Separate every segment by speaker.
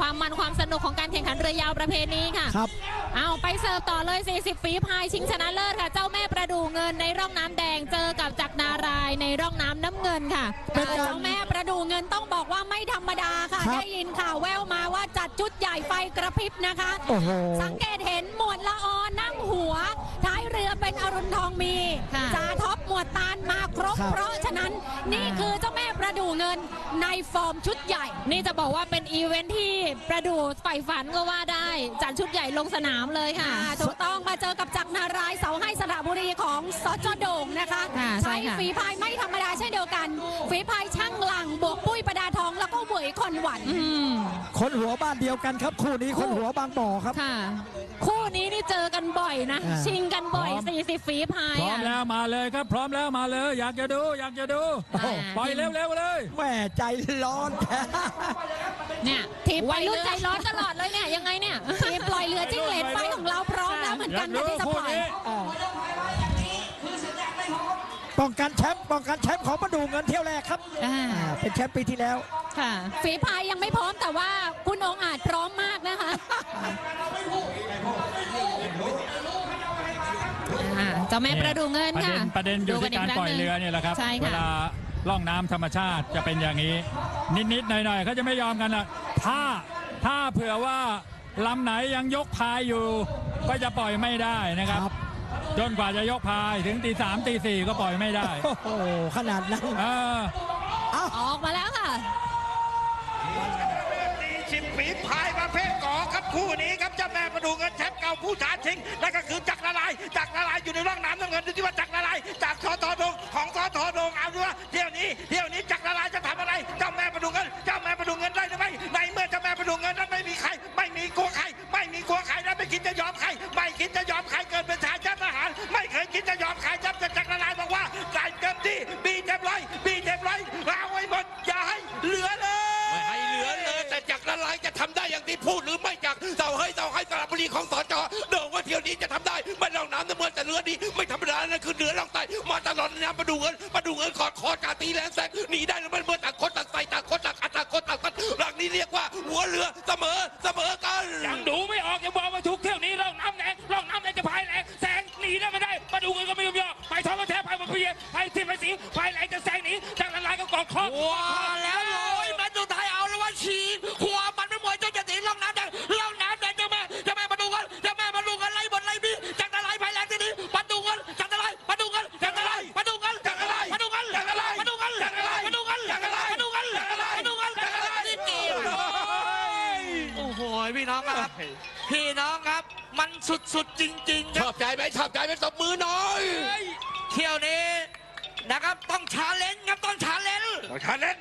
Speaker 1: ความมันความสนุกของการแข่งขันเรือยาวประเพณีค่ะ
Speaker 2: ครับ
Speaker 1: เอาไปเสิร์ฟต่อเลย40ฝีพายชิงชนะเลิศค่ะเจ้าแม่ประดู่เงินในร่องน้ำแดงเจอกับจักรนารายในร่องน้ำน้ำเงินค่ะ
Speaker 2: เป็นการ
Speaker 3: เจ้าแม่ประดู่เงินต้องบอกว่าไม่ธรรมดาค่ะ
Speaker 2: ครับ
Speaker 3: ได้ยินข่าวแววมาว่าจัดชุดใหญ่ไฟกระพริบนะคะ
Speaker 2: โอ้โห
Speaker 3: สังเกตเห็นหมวดละออนั่งหัวท้ายเรือเป็นอรุณทองมี
Speaker 1: ค่ะ
Speaker 3: จ่าท็อปหมวดตาลมาครบ
Speaker 2: ครับ
Speaker 3: เพราะฉะนั้นนี่คือเจ้าแม่ประดู่เงินในฟอร์มชุดใหญ่
Speaker 1: นี่จะบอกว่าเป็นอีเวนท์ที่ประดู่ใฝ่ฝันก็ว่าได้จัดชุดใหญ่ลงสนามเลยค่ะ
Speaker 3: ถูกต้องมาเจอกับจักรนารายณ์เสาให้สระบุรีของสจโด่งนะคะ
Speaker 1: ค่ะใช่
Speaker 3: ใช้
Speaker 1: ค่ะ
Speaker 3: ฝีพายไม่ธรรมดาเช่นเดียวกัน ฝีพายช่างหลังบวกปุ้ยประดาทองแล้วก็เหวยคอนหวัน
Speaker 2: คนหัวบ้านเดียวกันครับคู่นี้คนหัวบางบ่อครับ
Speaker 1: ค่ะ คู่นี้นี่เจอกันบ่อยนะ
Speaker 2: อ่า
Speaker 1: ชิงกันบ่อย
Speaker 4: พร้อม
Speaker 1: 40ฝีพาย
Speaker 4: พร้อมแล้วมาเลยครับ พร้อมแล้วมาเลย อยากจะดูอยากจะดู
Speaker 1: โอ้โห
Speaker 4: ปล่อยเร็วๆเลย
Speaker 2: แม่ใจร้อน
Speaker 1: เนี่ยทีมวัยรุ่นใจร้อนตลอดเลยเนี่ยยังไงเนี่ย
Speaker 3: ทีมปล่อยเรือจิ้งเหลนไฟของเราพร้อมแล้วเหมือน
Speaker 4: อ
Speaker 3: กั
Speaker 4: ยาน ก
Speaker 3: ค่ะ
Speaker 4: ดู
Speaker 3: ที่จะ
Speaker 4: คู่
Speaker 3: ปล่อย
Speaker 4: นี้
Speaker 2: ป้องกันแชมป์ของประดูเงินเที่ยวแรกครับ
Speaker 1: อ่า
Speaker 2: เป็นแชมป์ปีที่แล้ว
Speaker 1: ค่ะ
Speaker 3: ฝีพายยังไม่พร้อมแต่ว่าคุณองค์อาจพร้อมมากนะคะ
Speaker 1: เจ้าแม่ประดู่เงินค่ะ
Speaker 4: ประเด็นอยู่ที่การปล่อยเรือเนี่ยแหละครับ
Speaker 1: ใช่
Speaker 4: เว
Speaker 1: ค่ะ
Speaker 4: ลาล่องน้ำธรรมชาติจะเป็นอย่างนี้ นิดๆหน่อยๆเขาจะไม่ยอมกันละถ้าเผื่อว่าลำไหนยังยกพายอยู่ ก็จะปล่อยไม่ได้นะครับ
Speaker 2: ครับ
Speaker 4: จนกว่าจะยกพายถึงตี 3ตี 4ก็ปล่อยไม่ได้
Speaker 2: โอ้โหขนาดนั้น
Speaker 4: เออ
Speaker 1: ออกมาแล้วค่ะ
Speaker 5: 40 ฝีพายประเภทกอครับคู่นี้ครับเจ้าแม่ประดูเงินแชมป์เก่าผู้ท้าชิงนั่นก็คือจักรนารายณ์อยู่ในร่องน้ำน้ำเงินดูที่ว่าจักรนารายณ์จากทอทอดงของทอทอดงเอาดูว่าเที่ยวนี้จักรนารายณ์จะทำอะไรเจ้าแม่ประดูเงินได้หรือไม่ในเมื่อเจ้าแม่ประดูเงินนั้นไม่มีใครไม่มีกลัวใครและไม่คิดจะยอมใครเกินเป็นชายชาติทหารไม่เคยคิดจะยอมใครจักรนารายณ์บอกว่าใส่เต็มที่บีเต็มร้อยเอาไว้หมดอย่าให้เหลือเลย
Speaker 6: ไม่ให้เหลือเลยแต่จักรนารายณ์จะทำได้อย่างที่พูดหรือไม่จากเสาให้สระบุรีของสจโด่งว่าเที่ยวนี้จะทำได้ไม่ลองน้ำน้ำเงินแต่เรือนี้ไม่ธรรมดานั่นคือเหนือล่องใต้มาตลอดน้ำประดูเงินขอดกาตีแรงแซงหนีได้หรือไม่เมื่อต่างคนต่างใส่ต่างคนต่างอัดต่างคนต่างกันหลังนี้เรียกว่าหัวเรือเสมอกัน
Speaker 7: ยังดูไม่ออกยังบอกว่าทุกเที่ยวนี้ร่องน้ำแดงจะพายแรงแซงหนีได้ไม่ได้มาดูกันก็ไม่ยอมย่อไปท้องก็แทบไปมาเพียไปที่ไปสีพายแรงจะแซงหนีจากละลายก็กอดคอ
Speaker 6: ว้าแล้วโอ้ยมันอยู่ไทยเอาแล้วว่าฉีกขวามันไม่หมดจะตีร่องน้ำแดงเจ้าแม่มาดูกันไล่บนไล่บีจากละลายพายแรงที่นี้มาดูกันจากละลายมาดูกันโอ้โหพี่น้องครับมันสุดๆจริงๆชอบใจไหมตบมือหน่อยเที่ยวนี้นะครับต้องชาเลนจ์ครับต้องชาเลนจ์ต้องชาเลนจ์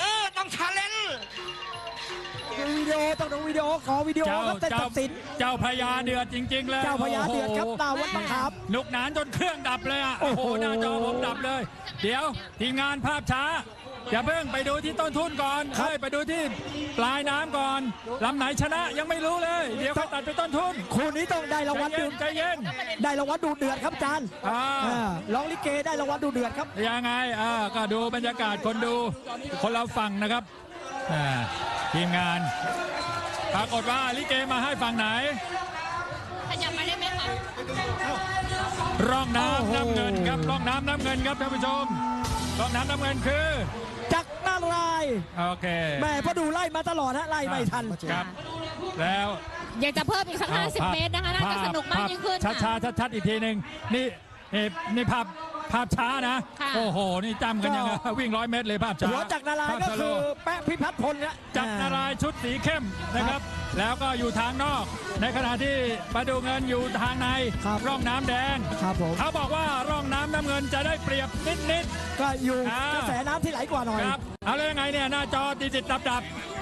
Speaker 2: ต้องดูวิดีโอขอวิดีโอครับแต่ตัดสิน
Speaker 4: เจ้าพญาเดือดจริงๆเลย
Speaker 2: เจ้าพญาเดือดครับดาวัดบังคับ
Speaker 4: นุกหนานจนเครื่องดับเลยอ่ะ โอ้โห หน้าจอผมดับเลย เดี๋ยวทีมงานภาพช้าอย่าเพิ่งไปดูที่ต้นทุนก่อนไปดูที่ปลายน้ำก่อนลำไหนชนะยังไม่รู้เลย เดี๋ยวเขาตัดไปต้นทุน
Speaker 2: คู่นี้ต้องได้รางวัลดู
Speaker 4: ใจเย็น
Speaker 2: ได้รางวัลดูเดือดครับอาจารย์ ร้องลิเกได้รางวัลดูเดือดครับ
Speaker 4: ยังไงก็ดูบรรยากาศคนดูคนเราฟังนะครับทีมงานปรากฏว่าลิเกมาให้ฝั่งไหน
Speaker 1: ขยับมาได้ไหมคะ
Speaker 4: ร่องน้ำน้ำเงินครับร่องน้ำน้ำเงินครับท่านผู้ชมร่องน้ำน้ำเงินคือ
Speaker 2: จักรนารายณ์
Speaker 4: โอเค
Speaker 2: แม่พอดูไล่มาตลอดฮะไล่ไม่ทัน
Speaker 4: ครับ แล้ว
Speaker 1: อยากจะเพิ่มอีกสัก50 เมตรนะคะน่าจะสนุกมากยิ่งขึ้น
Speaker 4: ช้าๆชัดๆอีกทีหนึ่งนี่ภาพช้านะ
Speaker 1: ค่ะ
Speaker 4: โอ้โหนี่จำกันยังไงวิ่ง100 เมตรเลยภาพช้า
Speaker 2: หัวจักรนารายณ์ก็คือแปะพิพัฒน์พลนะ
Speaker 4: จักรนารายณ์ชุดสีเข้มนะครับ แล้วก็อยู่ทางนอก ในขณะที่ประดูเงินอยู่ทางในร่องน้ำแดง
Speaker 2: ครับผม
Speaker 4: เขาบอกว่าร่องน้ำน้ำเงินจะได้เปรียบนิด
Speaker 2: ก็อยู่
Speaker 4: อ่าก
Speaker 2: ระแสน้ำที่ไหลกว่าหน่อย
Speaker 4: ๆครับเอาเลยยังไงเนี่ยหน้าจอติดดับ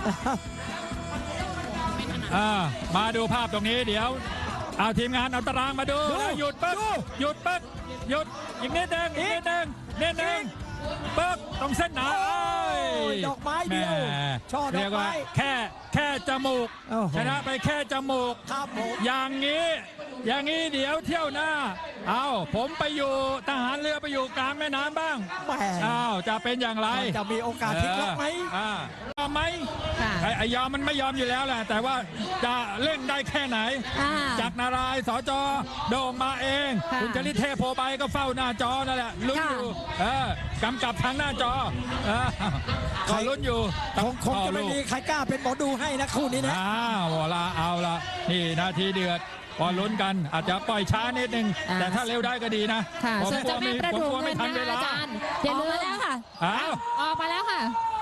Speaker 4: มาดูภาพตรงนี้เดี๋ยวเอาทีมงานเอาตารางมาดูแล้วหยุดปึ๊กหยุดอีกนิดนึงปึ๊กตรงเส้นหนา
Speaker 2: ดอกไม้เดียวช่อด
Speaker 4: เรี
Speaker 2: อย ก
Speaker 4: กว่า
Speaker 2: ไม้
Speaker 4: แค่จมูก
Speaker 2: โอ้โห
Speaker 4: ชนะไปแค่จมูก
Speaker 2: ครับผม
Speaker 4: อย่างนี้เดี๋ยวเที่ยวหน้าเอาผมไปอยู่ทหารเรือไปอยู่กลางแม่น้ำบ้าง
Speaker 2: แหม
Speaker 4: อ้าวจะเป็นอย่างไร
Speaker 2: จะมีโอกาสพลิกล็อกไหม
Speaker 4: ก็ก็ไหม
Speaker 1: ค่ะ
Speaker 4: ไอ้ยอมมันไม่ยอมอยู่แล้วแหละแต่ว่าจะเร่งได้แค่ไหน
Speaker 1: อ่า
Speaker 4: จากนารายณ์สจโด่งมาเอง
Speaker 1: ค่ะ
Speaker 4: คุณจริตเทพโพใบก็เฝ้าหน้าจอนั่นแหละลุ้นอยู่กำกับทางหน้าจอก็ลุ้นอยู่
Speaker 2: คงจะไม่มีใครกล้าเป็นหมอดูให้นะคู่นี้นะ
Speaker 4: เอาละนี่นาทีเดือดพอลุ้นกันอาจจะปล่อยช้านิดนึง
Speaker 1: อ่า
Speaker 4: แต่ถ้าเร็วได้ก็ดีนะ
Speaker 1: ค่ะ
Speaker 4: ผม
Speaker 1: ส่วน
Speaker 4: กลั
Speaker 1: เจ้าว แม่
Speaker 4: ไม่
Speaker 1: ประ
Speaker 4: ผม
Speaker 1: ดู
Speaker 4: กลัว
Speaker 1: เงิ
Speaker 4: ไม่
Speaker 1: น
Speaker 4: ทัน
Speaker 1: นะ
Speaker 4: เวลา
Speaker 1: อาจารย์อย่าลืมแล้วค่ะ
Speaker 4: อ้าว
Speaker 1: ออกมาแล้วค่ะ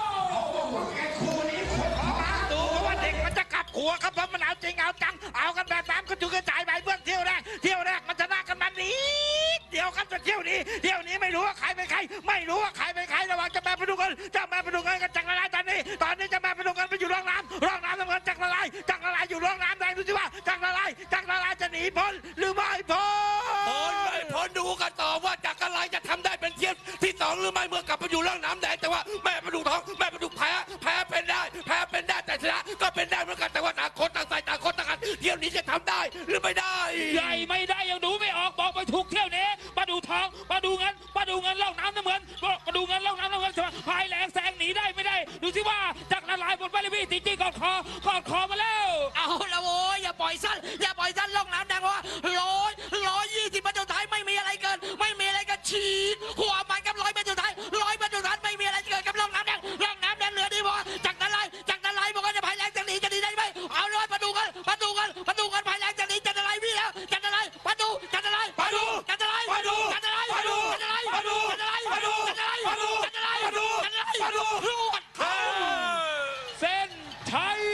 Speaker 5: ดูว่าเด็กมันจะกลับหัวครับเพราะมันเอาจริงเอาจังเอากันแบบน้ำก็จุกระจายไปเบื้องเที่ยวแรกมันชนะกันมานิดเดียวครับแต่เที่ยวนี้ไม่รู้ว่าใครเป็นใครไม่รู้ว่าใครเป็นใครระหว่างเจ้าแม่ประดูเงินกันจักรลายตอนนี้เจ้าแม่ประดูเงินไปอยู่ร่องน้ำน้ำเงินจักรลายอยู่ร่องน้ำแดงดูสิว่าจักรลายจะหนีพ้นหรือไม่พ้น
Speaker 6: ไม่พ้นดูกันต่อว่าจากอะไรจะทำได้เป็นเที่ยวที่2หรือไม่เมื่อกลับไปอยู่เรื่องน้ำแดงแต่ว่าแม่ประดูทองแม่ประดูแพ้เป็นได้แต่ชนะก็เป็นได้เหมือนกันแต่ว่าต่างคนต่างใส่ต่างคนต่างกันเที่ยวนี้จะทำได้หรือไม่ได้
Speaker 7: ใหญ่ไม่ได้ยังดูไม่ออกบอกไปถูกเที่ยวนี้มาดูทองมาดูเงินล่องน้ำน้ำเงินมาดูเงินล่องน้ำน้ำเงินพายแหลงแซงหนีได้ไม่ได้ดูสิว่าจากละลายบนไปเลยพี่จริงๆกอดคอมาแล้ว
Speaker 8: เอาละโว้ยอย่าปล่อยสั้นล่องน้ำแดงว่า120 เมตรสุดท้ายไม่มีอะไรเกินฉีดหัวมันกับ100 เมตรสุดท้าย100 เมตรสุดท้ายไม่มีอะไรเกินกับล่องน้ำแดงเหลือดีพอจากนั้นไล่บอกว่าจะพายแรงจะหนีได้ไหมเอาเลยมาดูกันพายแรงจะหนีจะอะไรพี่แล้วจะอะไรมาดู
Speaker 7: เส้นชัย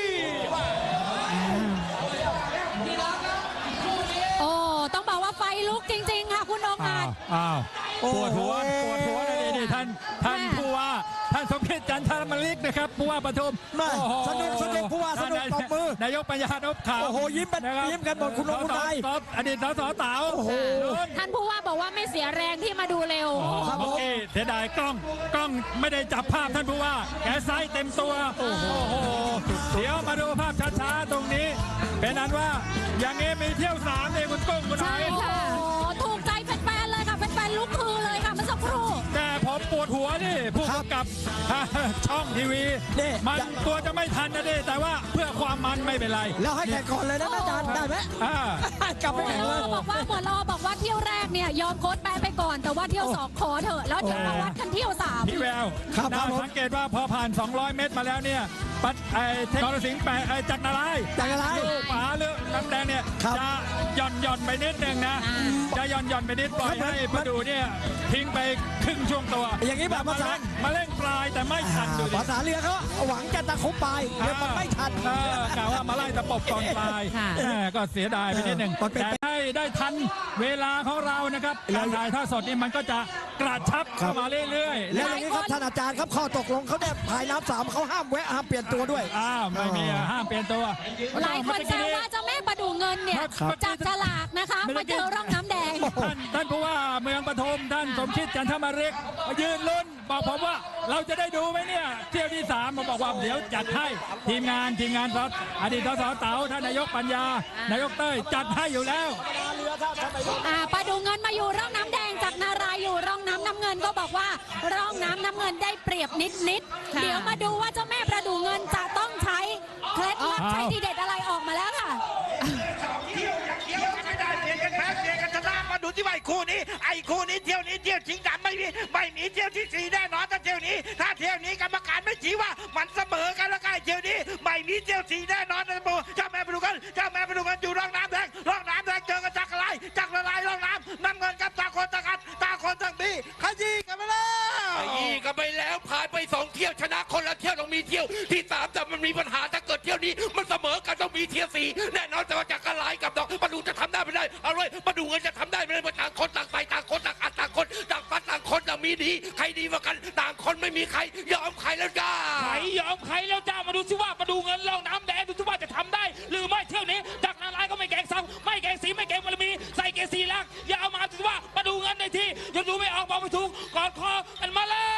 Speaker 3: โอ้ต้องบอกว่าไฟลุกจริงๆค่ะคุณองค์อาจ
Speaker 4: ปวดหัวเลยนี่ท่านผู้ว่าท่านสมคิดจันทรมลิกนะครับผู้ว่าปทุม
Speaker 2: แม่
Speaker 4: โอ้โห
Speaker 2: สนุกผู้ว่าสนุกตบมือ
Speaker 4: นายกปัญญานพขาว
Speaker 2: โอ้โหยิ้มกันหมดคุณองค์นาย
Speaker 4: อดีตสสเต๋า
Speaker 2: โอ้โห
Speaker 1: ท่านผู้ว่าบอกว่าไม่เสียแรงที่มาดูเร็ว
Speaker 4: เมื่อกี้เสียดายกล้องไม่ได้จับภาพท่านผู้ว่าแกไซส์เต็มตัวโอ้โหเดี๋ยวมาดูภาพช้าๆตรงนี้ เป็นนั้นว่าอย่างนี้มีเที่ยว3เลยคุณกุ้งคุณ
Speaker 1: ใช่
Speaker 4: ไอ้
Speaker 1: ค่ะ
Speaker 3: โอ้ถูกใจแฟนๆเลยค่ะแฟนๆลุกฮือเลยค่ะเมื่อสักครู่
Speaker 4: แต่ผมปวดหัวนี่ผู้กำกับช่องทีวี
Speaker 2: นี่
Speaker 4: มันตัวจะไม่ทันนะดิแต่ว่าเพื่อความมันไม่เป็นไร
Speaker 2: แล้วให้แข่งก่อนเลยนะอาจารย์ได้ไหม
Speaker 4: อ่า
Speaker 2: กลับไป
Speaker 3: หม
Speaker 2: แข่ง
Speaker 3: ว
Speaker 2: เล
Speaker 3: ด
Speaker 2: ย
Speaker 3: บอกว่าเที่ยวแรกเนี่ยยอมโค้ดแปะไปก่อนแต่ว่าเที่ยว2ขอเถอะแล้วเดี๋ยวมาวัดกันเที่ยว3
Speaker 4: พี่แวว
Speaker 2: ครับ
Speaker 4: น่า
Speaker 2: ผม
Speaker 4: สังเกตว่าพอผ่าน 200 เมตรมาแล้วเนี่ยปัดนรสิงห์แปะจักรนารายณ์
Speaker 2: จักรนารายณ์
Speaker 4: ลูกหมาเรื่องน้ำแดงเนี่ย
Speaker 2: ครับ
Speaker 4: จะหย่อนไปนิดนึงนะจะหย่อนไปนิดปล่อยให้ประดูเนี่ยทิ้งไปครึ่งช่วงตัว
Speaker 2: อย่างนี้แบบภาษา
Speaker 4: มาเล่นปลายแต่ไม่ทันดูดิ
Speaker 2: ภาษาเรือเขาหวังจะตะคุบปลายเดี๋ยวมันไม่ทัน
Speaker 4: กล่าวว่ามาไล่ตะปบก่อนปลาย
Speaker 1: ค่ะ
Speaker 4: ก็เสียดายไปนิดหนึ่ง
Speaker 2: มันเป็น
Speaker 4: แต่ได้ทันเวลาของเรานะครับการถ่ายทอดสดนี่มันก็จะกระชับเข้ามาเรื่อยๆ
Speaker 2: แล้วอย่างนี้ครับท่านอาจารย์ครับข้อตกลงเขาเนี่ยภายน้ำ3เขาห้ามแวะห้ามเปลี่ยนตัวด้วย
Speaker 4: ไม่มีห้ามเปลี่ยนตัว
Speaker 3: หลายคนแซวว่าเจ้าแม่ประดูเงินเนี่ย
Speaker 4: ครับ
Speaker 3: จับฉลากนะคะมาเจอร่องน้ำแดง
Speaker 4: ท่านผู้ว่าเมืองปทุมท่านสมคิดจันทมาริกยืนลุ้นบอกผมว่าเราจะได้ดูไหมเนี่ยเที่ยวที่3มาบอกว่าเดี๋ยวจัดให้ทีมงานสดอดีตสสเต๋าท่านนายกปัญญานายกเต้ยจัดให้อยู่แล้ว
Speaker 3: ประดูเงินมาอยู่ร่องน้ำแดงจากนารายอยู่ร่องน้ำน้ำเงินก็บอกว่าร่องน้ำน้ำเงินได้เปรียบนิด
Speaker 1: ค่ะ
Speaker 3: เดี๋ยวมาดูว่าเจ้าแม่ประดูเงินจะต้องใช้เคล็ดลับใช้ดีเด็ดอะไรออกมาแล้วค่ะ
Speaker 5: เที่ยวไม่ได้เปลี่ยนกันแพ้เปลี่ยนกันชนะมาดูที่ว่าไอ้คู่นี้เที่ยวชิงดำไม่มีเที่ยวที่4แน่นอนถ้าเที่ยวนี้กรรมการไม่ชี้ว่ามันเสมอกันแล้วก็ไอ้เที่ยวนี้ไม่มีเที่ยว4แน่นอนนะโบเจ้าแม่ไปดูกันอยู่ร่องน้ำแดงเจอกันจักรลายร่องน้ำเงินกับตาคนต่างมีขยี้กันไปแล้ว
Speaker 6: ไอ้ยี่ก็ไปแล้วผ่านไป2 เที่ยวชนะคนละเที่ยวต้องมีเที่ยวที่3แต่มันมีปัญหาถ้าเกิดเที่ยวนี้มันเสมอกันต้องมีเที่ยว4แน่นอนแต่ว่าจากกระไรกับดอกมาดูจะทำได้ไม่ได้เอาเลยมาดูเงินจะทำได้ไม่ได้ต่างคนต่างใส่ต่างคนต่างอัดต่างคนต่างฟัดต่างคนต่างมีดีใครดีกว่ากันต่างคนไม่มีใครยอมใครแล้วจ้า
Speaker 7: ใครยอมใครแล้วจ้ามาดูสิว่ามาดูเงินล่องน้ำแดงดูสิว่าจะทำได้ หรือไม่เที่ยวนี้จากนารายณ์ก็ไม่แกงซ้ำไม่แกงสีไม่แกงบารมีใส่เกงสีลักอย่าเอามาดูสิว่ามาดูเงินในที่ยังดูไม่ออกบอกไม่ถูกกอดคอกันมาแล้ว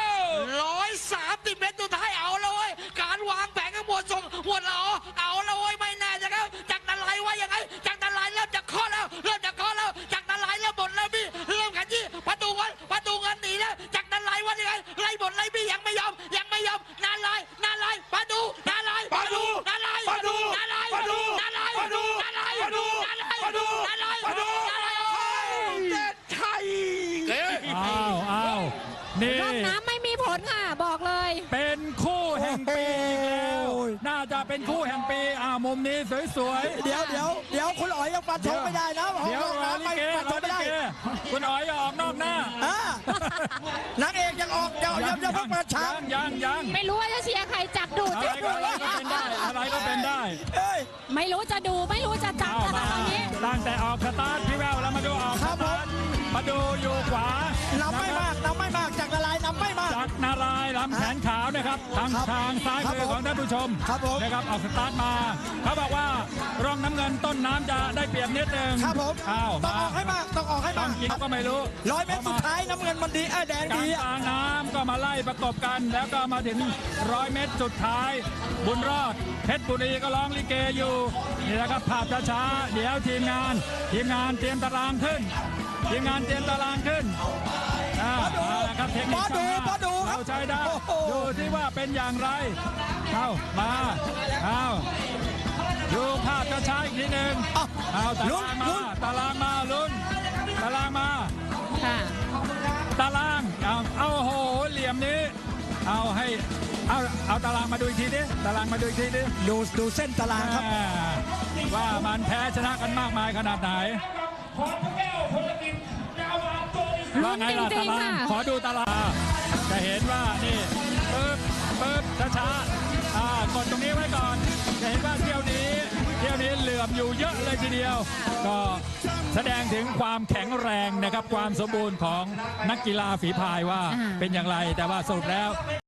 Speaker 8: 130 เมตรสุดท้ายเอาเลยการวางแผนข้างบนส่งหัวเราเอาเลยไม่แน่จะครับจากนารายณ์ว่ายังไงจากนารายณ์เริ่มจะเคาะแล้วจากนารายณ์เริ่มบ่นแล้วพี่เริ่มขยี้ประตูเงินหนีแล้วจากนารายณ์ว่ายังไงไล่บ่นไล่พี่ยังไม่ยอมนารายณ์ประตู
Speaker 5: ดูมาดูเด็ดชัย
Speaker 4: อ้าวนี่
Speaker 3: ร่องน้ำไม่มีผลค่ะบอกเลย
Speaker 4: เป็นคู่แห่งปีอีกแล้ว
Speaker 2: โอ้ย
Speaker 4: น่าจะเป็นคู่แห่งปีมุมนี้สวยๆ
Speaker 2: เดี๋ยวคุณอ๋อยยังฟันธงไม่ได้นะ
Speaker 4: เดี๋ยว
Speaker 2: ห้อง
Speaker 4: รอ
Speaker 2: น้ำ
Speaker 4: ลิ
Speaker 2: ไม่
Speaker 4: เก
Speaker 2: ฟันธงไม่ได้
Speaker 4: คุณอ๋อยอย่าออกนอกหน้า
Speaker 2: นางเอกยังออกเดี๋ยวเพิ่งเปิดฉาก
Speaker 4: ยัง
Speaker 1: ไม่รู้ว่าจะเชียร์ใครจับดู
Speaker 4: อะไร
Speaker 1: จับ
Speaker 4: ก็
Speaker 1: ดู
Speaker 4: เป็นได้อะไรก็เป็นได้
Speaker 2: เอ้ย
Speaker 3: ไม่รู้จะดูไม่รู้จะจับ
Speaker 4: เอา
Speaker 3: อะไร
Speaker 4: มา
Speaker 3: ตอนนี้
Speaker 4: ตั้งแต่ออกสตาร์ทพี่แววแล้วมาดูออกสตาร์ทมาดูอยู่ขวาน
Speaker 2: ำไม่มากจากละลายนำไม่มาก
Speaker 4: จากนารายณ์ลำแขนขาวนะครับทาง
Speaker 2: ครับ
Speaker 4: ทางซ้าย
Speaker 2: ครับ
Speaker 4: มือของท่านผู้ชม
Speaker 2: ครับผม
Speaker 4: นะครับออกสตาร์ทมาเขาบอกว่าร่องน้ำเงินต้นน้ำจะได้เปรียบนิดนึง
Speaker 2: ครับผม
Speaker 4: อ้าว
Speaker 2: ต้องออกให้มาก
Speaker 4: ต้องกินก็ไม่รู้
Speaker 2: 100 เมตรสุดท้ายน้ำเงินมันดีแดง
Speaker 4: กลา
Speaker 2: ดี
Speaker 4: งกลางน้ำก็มาไล่ประกบกัน แล้วก็มาถึง100 เมตรสุดท้าย บุญรอดเพชรบุรีก็ร้องลิเกอยู่นี่แหละครับภาพช้าๆเดี๋ยวทีมงานเตรียมตารางขึ้นทีมงานเตรียมตารางขึ้นเอาละครับเทคนิค
Speaker 2: พอดูครับ
Speaker 4: เราใช้ได้
Speaker 2: โอ้โห
Speaker 4: ดูที่ว่าเป็นอย่างไรเอามาเอาดูภาพช้าๆอีกทีหนึ่งเอาตารางมาตารางมาลุ้นตารางมา
Speaker 1: ค่ะ
Speaker 4: ตารางเอาโอ้โหเหลี่ยมนี้เอาตารางมาดูอีกทีดิตารางมาดูอีกทีดิ
Speaker 2: ดูเส้นตารางครับ
Speaker 4: ว่ามันแพ้ชนะกันมากมายขนาดไหนว่าไงล่ะ
Speaker 1: จริ
Speaker 4: ตาง
Speaker 1: ๆ
Speaker 4: ราง
Speaker 1: ค่ะ
Speaker 4: ขอดูตารางจะเห็นว่านี่ปึ๊บช้าๆกดตรงนี้ไว้ก่อนจะเห็นว่าเที่ยวนี้เหลื่อมอยู่เยอะเลยทีเดียว ก็แสดงถึงความแข็งแรงนะครับความสมบูรณ์ของนักกีฬาฝีพายว่าเป็นอย่างไรแต่ว่าสรุปแล้ว